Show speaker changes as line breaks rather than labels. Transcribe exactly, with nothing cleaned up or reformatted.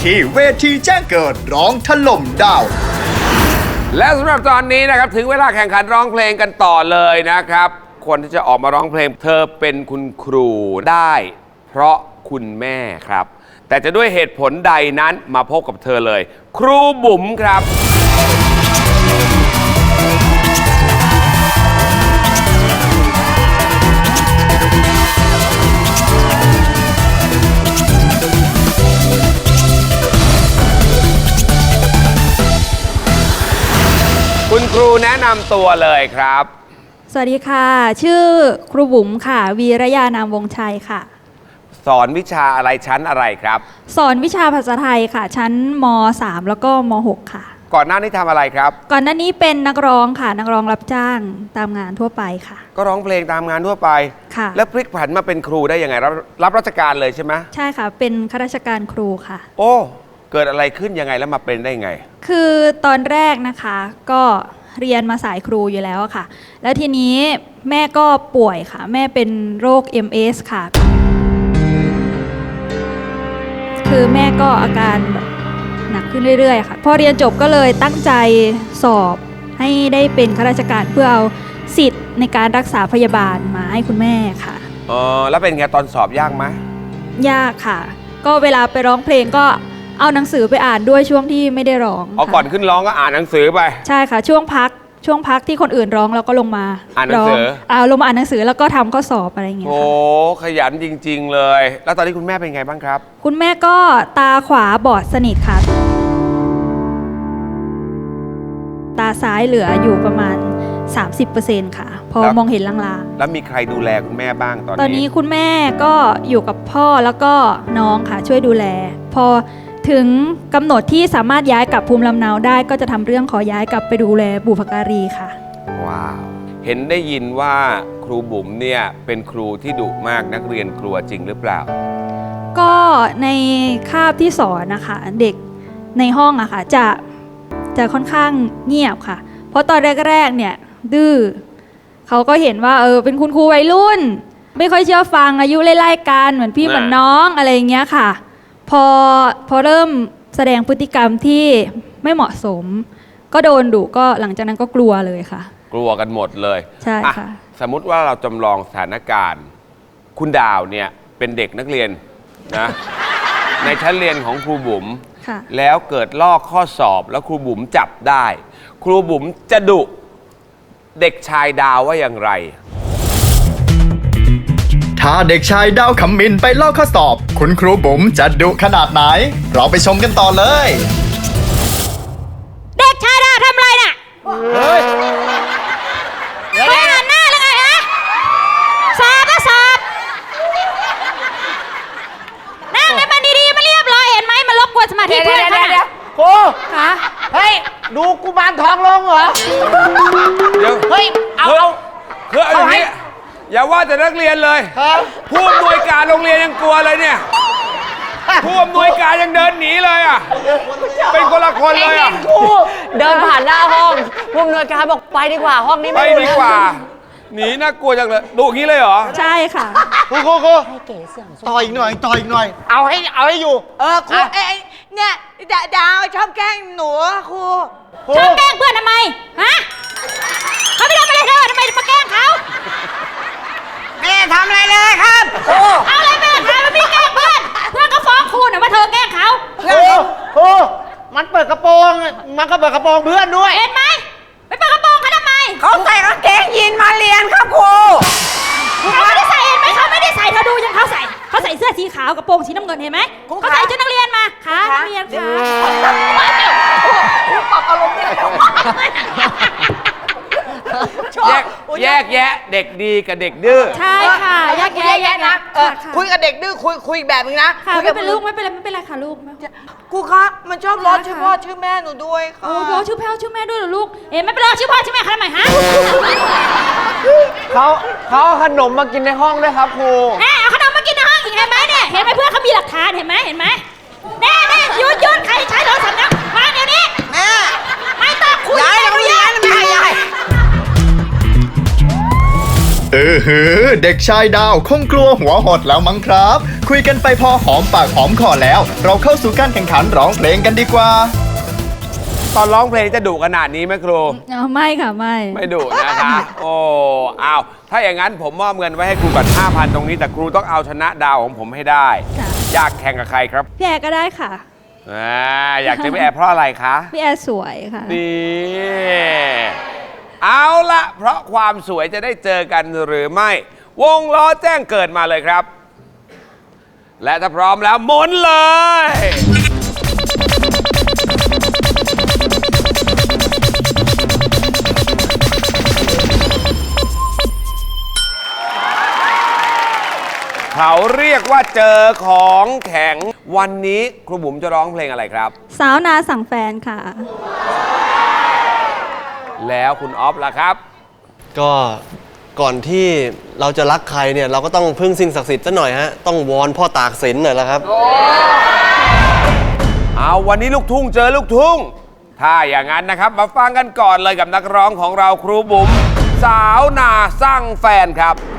ที่เวทีแจ้งเกิดร้องถล่มดาว
และสำหรับตอนนี้นะครับถึงเวลาแข่งขันร้องเพลงกันต่อเลยนะครับคนที่จะออกมาร้องเพลงเธอเป็นคุณครูได้เพราะคุณแม่ครับแต่จะด้วยเหตุผลใดนั้นมาพบกับเธอเลยครูบุ๋มครับคุณครูแนะนำตัวเลยครับ
สวัสดีค่ะชื่อครูบุ๋มค่ะวีรยานามวงชัยค่ะ
สอนวิชาอะไรชั้นอะไรครับ
สอนวิชาภาษาไทยค่ะชั้นม สาม แล้วก็ม หก ค่ะ
ก่อนหน้านี้ทำอะไรครับ
ก่อนหน้านี้เป็นนักร้องค่ะนักร้องรับจ้างตามงานทั่วไปค่ะ
ก็ร้องเพลงตามงานทั่วไป
ค่ะ
แล้วพลิกผันมาเป็นครูได้ยังไงรับรับราชการเลยใช่ไหม
ใช่ค่ะเป็นข้าราชการครูค่ะ
โอ้เกิดอะไรขึ้นยังไงแล้วมาเป็นได้ยังไง
คือตอนแรกนะคะก็เรียนมาสายครูอยู่แล้วค่ะแล้วทีนี้แม่ก็ป่วยค่ะแม่เป็นโรค เอ็ม เอส ค่ะคือแม่ก็อาการแบบหนักขึ้นเรื่อยๆค่ะพอเรียนจบก็เลยตั้งใจสอบให้ได้เป็นข้าราชการเพื่อเอาสิทธิ์ในการรักษาพยาบาลมาให้คุณแม่ค่ะ
อ๋อแล้วเป็นไงตอนสอบยากไหม
ยากค่ะก็เวลาไปร้องเพลงก็เอาหนังสือไปอ่านด้วยช่วงที่ไม่ได้ร้อง
เอาก่อนขึ้นร้องก็อ่านหนังสือไป
ใช่ค่ะช่วงพักช่วงพักที่คนอื่นร้องเราก็ลงมา
อ่านหนังสือ
เอาลงมาอ่านหนังสือแล้วก็ทำข้อสอบอะไรอย่างเงี้ย
โอ้ขยันจริงๆเลยแล้วตอนนี้คุณแม่เป็นไงบ้างครับ
คุณแม่ก็ตาขวาบอดสนิทค่ะตาซ้ายเหลืออยู่ประมาณ สามสิบเปอร์เซ็นต์ ค่ะพอมองเห็นลาง
ๆแล้วมีใครดูแลคุณแม่บ้างตอนนี้
ตอนนี้คุณแม่ก็อยู่กับพ่อแล้วก็น้องค่ะช่วยดูแลพอถึงกำหนดที่สามารถย้ายกลับภูมิลำเนาได้ก็จะทำเรื่องขอย้ายกลับไปดูแลบุพการีค่ะ
ว้าวเห็นได้ยินว่าครูบุ๋มเนี่ยเป็นครูที่ดุมากนักเรียนกลัวจริงหรือเปล่า
ก็ในคาบที่สอนนะคะเด็กในห้องอะค่ะจะจะค่อนข้างเงียบค่ะเพราะตอนแรกๆเนี่ยดื้อเขาก็เห็นว่าเออเป็นคุณครูวัยรุ่นไม่ค่อยเชื่อฟังอายุไล่ๆกันเหมือนพี่เหมือนน้องอะไรอย่างเงี้ยค่ะพอพอเริ่มแสดงพฤติกรรมที่ไม่เหมาะสมก็โดนดุก็หลังจากนั้นก็กลัวเลยค่ะ
กลัวกันหมดเลย
ใช่ค่ะ
สมมุติว่าเราจำลองสถานการณ์คุณดาวเนี่ยเป็นเด็กนักเรียนนะ ในชั้นเรียนของครูบุ๋มแล้วเกิดลอกข้อสอบแล้วครูบุ๋มจับได้ครูบุ๋มจะดุเด็กชายดาวว่าอย่างไร
ถ้าเด็กชายดาวขมินไปลอกข้อสอบคุณครูบุ๋มจะดุขนาดไหนเราไปชมกันต่อเลย
เด็กชายดาวทำอะไรน่ะเฮ้ยไม่อ่านหน้าเลยไงฮะสอบก็สอบนั่งให้มันดีๆมาเรียบร้อยเห็นไหมมันรบกวนสมาธิเพื่อนเขาน่ะ
ครู
คะ
เฮ้ยดูกุมารทองลงเหรอ
เดี๋ยว
เฮ้ยเอาเอา
คือเอาอย่างนี้อย่าว่าแต่นักเรียนเลยผู้อำนวยการโรงเรียนยังกลัวเลยเนี่ยผู้อำนวยการยังเดินหนีเลยอ่ะเป็นคนละคนเลยอ่ะ
ครูเดินผ่านหน้าห้องผู้อำนวยการบอกไปดีกว่าห้องนี้
ไม่ดีกว่าหนีน่ากลัวจังเลยดุงี้เลยเหรอ
ใช่ค่ะ
ครูครูครูต่ออีกหน่อยต่ออีกหน่อย
เอาให้เอาให้อยู่
เออครูเอ้ยเนี่ยดาวชอบแกล้งหนูครู
ชอบแกล้งเพื่อนทำไมฮะเขาไม่ทำอะไรเธอทำไมมาแกล้งเขา
แม่ทำอะไรเลยครับ
ครูเอาอะไรแม่ทำมันไม่แกล้งเพื่อนเพื่อนก็ฟ้องครูนะว่าเธอแกล้งเขา
ครูครูมันเปิดกระโปรงมันก็เปิดกระโปรงเพื่อนด้วย
เห็นไหมไปเปิดกระโปรงเขาทำไม
เขาใส่กางเกงยีนมาเรียนครับครู
เขาไม่ได้ใส่เห็นไหมเขาไม่ได้ใส่เธอดูยังเขาใส่เขาใส่เสื้อสีขาวกระโปรงสีน้ำเงินเห็นไหมเขาใส่ชุดนักเรียนมาค่ะนักเรียนค่ะ
ครูปรับอารมณ์ได้
แยกแยกแยะเด็กดีกับเด็กดื้อ
ใช่ค่ะแยกแยะแยกนะ
คุยกับเด็กดื้อคุยคุยแบบนึงนะ
ค่ะไม่เป็นลูกไม่เป็นไรไม่เป็นไรค่ะลูก
ครูคะมันชอบล้อชื่อพ่อชื่อแม่หนูด้วยค่ะ
โอ้ล้อชื่อพ่อชื่อแม่ด้วยเหรอลูกเอ๊ะไม่เป็นไรชื่อพ่อชื่อแม่เขาทำไมฮะ
เขาเขาเอาขนมมากินในห้องด้วยครับครู
แม่เอาขนมมากินในห้องอีกเห็นไหมเนี่ยเห็นไหมเพื่อนเขามีหลักฐานเห็นไหมเห็นไหมแน่แน่หยุดหยุดใครใช้โทรศัพท์นะมาเดี๋ยวนี้
แม่
ไม่ต้องคุย
ย้ายโรงเรียนแม่ย้าย
เออหือเด็กชายดาวคงกลัวหัวหดแล้วมั้งครับ คุยกันไปพอหอมปากหอมคอแล้ว เราเข้าสู่การแข่งขันร้องเพลงกันดีกว่า
ตอนร้องเพลงจะดุขนาดนี้ไหมครู
อ๋อไม่ค่ะไม่
ไม่ดุนะคะ โอ้อ้าวถ้าอย่างนั้นผมมอบเงินไว้ให้ครูก่อนห้าพันตรงนี้แต่ครูต้องเอาชนะดาวของผมให้ได้
ค่ะ
อยากแข่งกับใครครับ
พี่แอร์ก็ได้ค่ะ
อ่าอยากเจอพี่แอร์เพราะอะไรคะ
พี่แอร์สวยค่ะ
นี่เอาละเพราะความสวยจะได้เจอกันหรือไม่ วงล้อแจ้งเกิดมาเลยครับ และถ้าพร้อมแล้วหมุนเลย เขาเรียกว่าเจอของแข็งวันนี้ครูบุ๋มจะร้องเพลงอะไรครับ
สาวนาสั่งแฟนค่ะ
แล้วคุณออฟล่ะครับ
ก็ก่อนที่เราจะรักใครเนี่ยเราก็ต้องพึ่งสิ่งศักดิ์สิทธิ์ซะหน่อยฮะต้องวอนพ่อตากสินหน่อยละครับ
เอาวันนี้ลูกทุ่งเจอลูกทุ่ง ถ้าอย่างนั้นนะครับมาฟังกันก่อนเลยกับนักร้องของเราครูบุ๋มสาวนาสร้างแฟนครับ